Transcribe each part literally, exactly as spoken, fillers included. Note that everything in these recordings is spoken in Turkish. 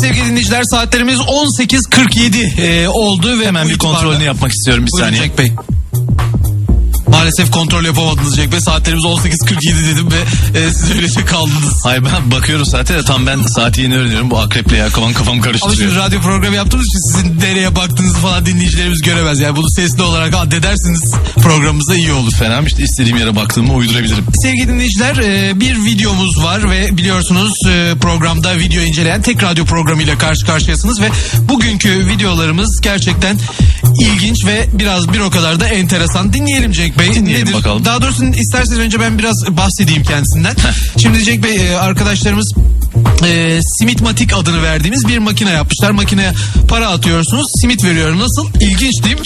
sevgili dinleyiciler, saatlerimiz on sekiz kırk yedi e, oldu ve hemen bir kontrolünü yapmak istiyorum bir Buyurun saniye. Cenk Bey. Maalesef kontrol yapamadınız Cenk Bey. Saatlerimiz on sekiz kırk yedi dedim ve e, siz öylece kaldınız. Hayır, ben bakıyorum saate de tam ben saati yeni öğreniyorum. Bu akreple ya kafam kafam Ama karıştırıyor. şimdi radyo programı yaptığımız için sizin nereye baktığınızı falan dinleyicilerimiz göremez. Yani bunu sesli olarak addedersiniz, programımıza iyi olur. Fena işte, istediğim yere baktığımı uydurabilirim. Sevgili dinleyiciler, e, bir videomuz var ve biliyorsunuz e, programda video inceleyen tek radyo programıyla karşı karşıyasınız ve bugünkü videolarımız gerçekten ilginç ve biraz bir o kadar da enteresan. Dinleyelim Cenk Bey. Dinleyelim Nedir? bakalım. Daha doğrusu isterseniz önce ben biraz bahsedeyim kendisinden. Şimdi Cenk Bey, e, arkadaşlarımız e, Simitmatik adını verdiğimiz bir makine yapmışlar. Makineye para atıyorsunuz, simit veriyor. Nasıl? İlginç değil mi?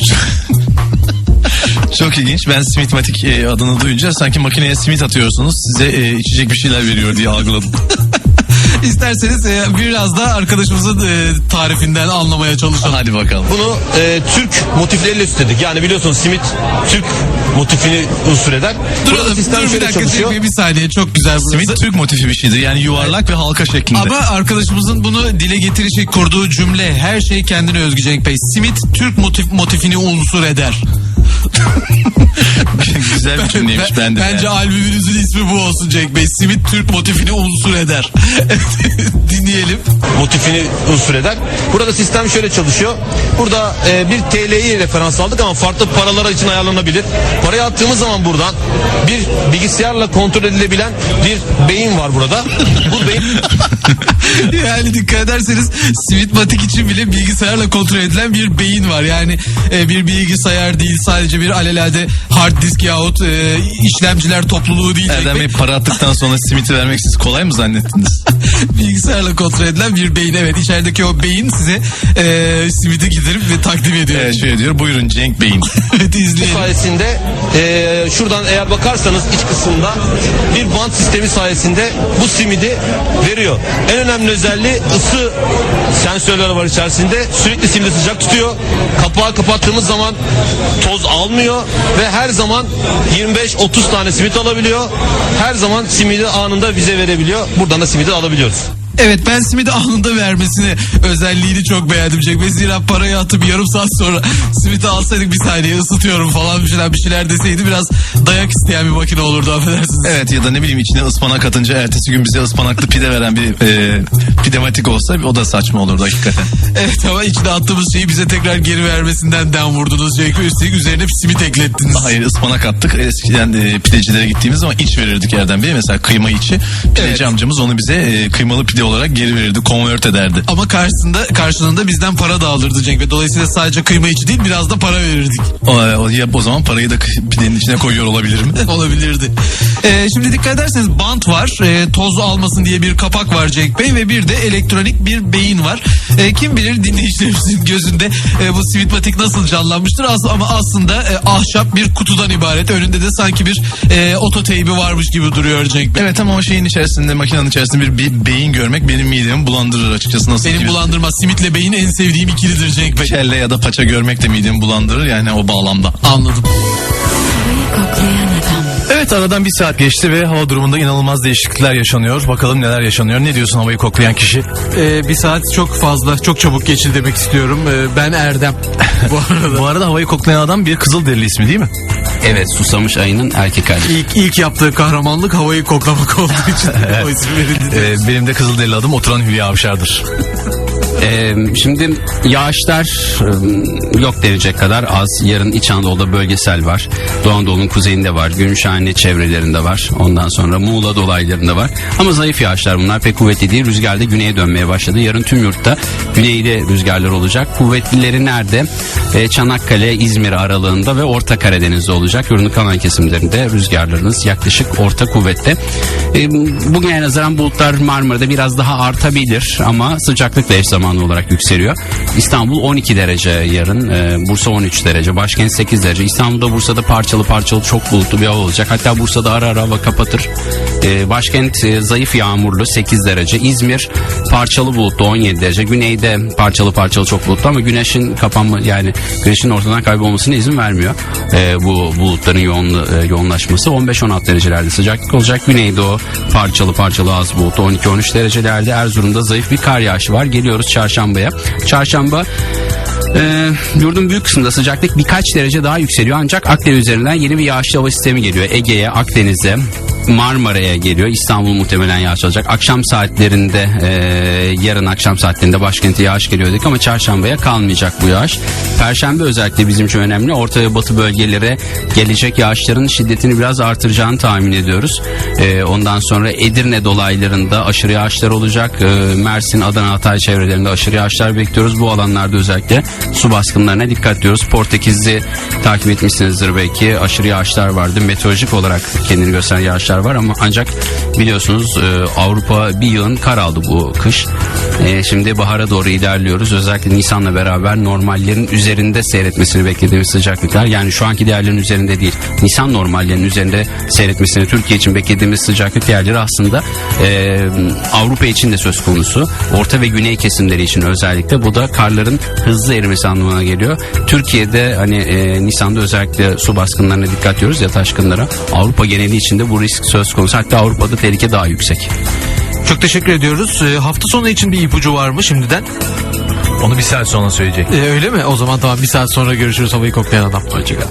Çok ilginç. Ben Simitmatik e, adını duyunca sanki makineye simit atıyorsunuz, size e, içecek bir şeyler veriyor diye algıladım. İsterseniz e, biraz da arkadaşımızın e, tarifinden anlamaya çalışalım. Hadi bakalım. Bunu e, Türk motifleriyle üstledik. Yani biliyorsunuz simit Türk motifini unsur eder. Burada Duralım, sistem dur bir şöyle dakika çalışıyor. Cenk Bey, bir saniye, çok güzel burası. Simit Türk motifi bir şeydir. Yani yuvarlak ve halka şeklinde. Ama arkadaşımızın bunu dile getirecek kurduğu cümle, her şey kendine özgü Cenk Bey. Simit Türk motif, motifini unsur eder. Güzel bir cümleymiş, ben, ben de. Bence yani. albümünüzün ismi bu olsun Cenk Bey. Simit Türk motifini unsur eder. Dinleyelim. Motifini unsur eder. Burada sistem şöyle çalışıyor. Burada e, bir T L'yi referans aldık ama farklı paralar için ayarlanabilir. Parayı attığımız zaman buradan bir bilgisayarla kontrol edilebilen bir beyin var burada. Bu beyin Yani dikkat ederseniz Simitmatik için bile bilgisayarla kontrol edilen bir beyin var. Yani e, bir bilgisayar değil, sadece bir alelade hard disk yahut e, işlemciler topluluğu değil. Erdem Bey, para attıktan sonra simiti vermek siz kolay mı zannettiniz? Bilgisayarla kontrol edilen bir beyin. Evet, içerideki o beyin size e, simiti giderip ve takdim ediyor. Evet, şöyle diyor, buyurun Cenk Bey'in. Evet, izleyelim. sayesinde e, şuradan eğer bakarsanız iç kısımda bir bant sistemi sayesinde bu simidi veriyor. En önemli özelliği ısı sensörleri var içerisinde. Sürekli simidi sıcak tutuyor. Kapağı kapattığımız zaman toz almıyor ve her zaman yirmi beş otuz tane simit alabiliyor. Her zaman simidi anında bize verebiliyor. Buradan da simidi alabiliyoruz. Evet, ben simidi anında vermesini, özelliğini çok beğendim Cenk Bey. Zira parayı atıp yarım saat sonra simidi alsaydık, bir saniye ısıtıyorum falan bir şeyler bir şeyler deseydi biraz dayak isteyen bir makine olurdu, affedersiniz. Evet, ya da ne bileyim içine ıspanak atınca ertesi gün bize ıspanaklı pide veren bir e, pidematik olsa o da saçma olurdu hakikaten. Evet, ama içine attığımız şeyi bize tekrar geri vermesinden dem vurdunuz Cenk Bey. Üstelik üzerine simit eklettiniz. Hayır, ıspanak attık. Eskiden e, pidecilere gittiğimiz zaman iç verirdik Erdem Bey. Mesela kıyma içi. Pideci Evet. amcamız onu bize e, kıymalı pide olarak geri verirdi. Convert ederdi. Ama karşısında karşılığında bizden para da alırdı Cenk Bey. Dolayısıyla sadece kıyma içi değil, biraz da para verirdik. O, o, ya, o zaman parayı da kı- pidenin içine koyuyor olabilir mi? Olabilirdi. Ee, şimdi dikkat ederseniz bant var. Ee, toz almasın diye bir kapak var Cenk Bey ve bir de elektronik bir beyin var. Ee, kim bilir dinleyicilerimizin gözünde e, bu Simitmatik nasıl canlanmıştır. As- ama aslında e, ahşap bir kutudan ibaret. Önünde de sanki bir e, ototeybi varmış gibi duruyor Cenk Bey. Evet, ama o şeyin içerisinde, makinenin içerisinde bir, bir beyin görmek benim midemi bulandırır açıkçası. Nasıl Benim ki- bulandırmaz. Simitle beyin en sevdiğim ikilidir Cenk Bey. kelle ya da paça görmek de midemi bulandırır, yani o bağlamda. Anladım. Evet, aradan bir saat geçti ve hava durumunda inanılmaz değişiklikler yaşanıyor. Bakalım neler yaşanıyor. Ne diyorsun havayı koklayan kişi? Ee, bir saat çok fazla, çok çabuk geçti demek istiyorum. Ee, ben Erdem. Bu arada. Bu arada havayı koklayan adam bir Kızılderili ismi değil mi? Evet, Susamış ayının erkek hali. İlk, ilk yaptığı kahramanlık havayı koklamak olduğu için o ismi verildi. Ee, benim de Kızılderili adım Oturan Hülya Avşar'dır. Ee, şimdi yağışlar e, yok denecek kadar az. Yarın İç Anadolu'da bölgesel var. Doğu Anadolu'nun kuzeyinde var. Gümüşhane çevrelerinde var. Ondan sonra Muğla dolaylarında var. Ama zayıf yağışlar bunlar. Pek kuvvetli değil. Rüzgar da güneye dönmeye başladı. Yarın tüm yurtta güneyde rüzgarlar olacak. Kuvvetlileri nerede? Ee, Çanakkale, İzmir aralığında ve Orta Karadeniz'de olacak. Yurdun kalan kesimlerinde rüzgarlarınız yaklaşık orta kuvvette. Ee, bugüne nazaran bulutlar Marmara'da biraz daha artabilir ama sıcaklıkla eş zamanlı zamanlı olarak yükseliyor. İstanbul on iki derece yarın, e, Bursa on üç derece, başkent sekiz derece. İstanbul'da, Bursa'da parçalı parçalı çok bulutlu bir hava olacak. Hatta Bursa'da ara ara hava kapatır. E, başkent e, zayıf yağmurlu sekiz derece. İzmir parçalı bulutlu on yedi derece. Güneyde parçalı parçalı çok bulutlu ama güneşin kapanma, yani güneşin ortadan kaybolmasına izin vermiyor. E, bu bulutların yoğun, e, yoğunlaşması on beş on altı derecelerde sıcaklık olacak. Güneydoğu parçalı parçalı az bulutlu on iki on üç derecelerde. Erzurum'da zayıf bir kar yağışı var. Geliyoruz çarşambaya. Çarşamba Ee, yurdun büyük kısmında sıcaklık birkaç derece daha yükseliyor, ancak Akdeniz üzerinden yeni bir yağışlı hava sistemi geliyor. Ege'ye, Akdeniz'e, Marmara'ya geliyor. İstanbul muhtemelen yağış alacak. Akşam saatlerinde e, yarın akşam saatlerinde başkente yağış geliyor dedik ama çarşambaya kalmayacak bu yağış. Perşembe özellikle bizim için önemli. Orta ve batı bölgelere gelecek yağışların şiddetini biraz artıracağını tahmin ediyoruz. E, ondan sonra Edirne dolaylarında aşırı yağışlar olacak. E, Mersin, Adana, Hatay çevrelerinde aşırı yağışlar bekliyoruz. Bu alanlarda özellikle su baskınlarına dikkat ediyoruz. Portekiz'i takip etmişsinizdir belki. Aşırı yağışlar vardı. Meteorolojik olarak kendini gösteren yağışlar var ama ancak biliyorsunuz e, Avrupa bir yığın kar aldı bu kış. E, şimdi bahara doğru ilerliyoruz. Özellikle Nisan'la beraber normallerin üzerinde seyretmesini beklediğimiz sıcaklıklar, yani şu anki değerlerin üzerinde değil, Nisan normallerinin üzerinde seyretmesini Türkiye için beklediğimiz sıcaklık değerleri aslında e, Avrupa için de söz konusu. Orta ve güney kesimleri için özellikle bu da karların hızlı erimesi anlamına geliyor. Türkiye'de hani e, Nisan'da özellikle su baskınlarına dikkat ediyoruz ya, taşkınlara. Avrupa geneli için de bu risk söz konusu. Hatta Avrupa'da tehlike daha yüksek. Çok teşekkür ediyoruz. E, hafta sonu için bir ipucu var mı şimdiden? Onu bir saat sonra söyleyecek. E, öyle mi? O zaman tamam, bir saat sonra görüşürüz havayı koklayan adam. Hoşçakalın.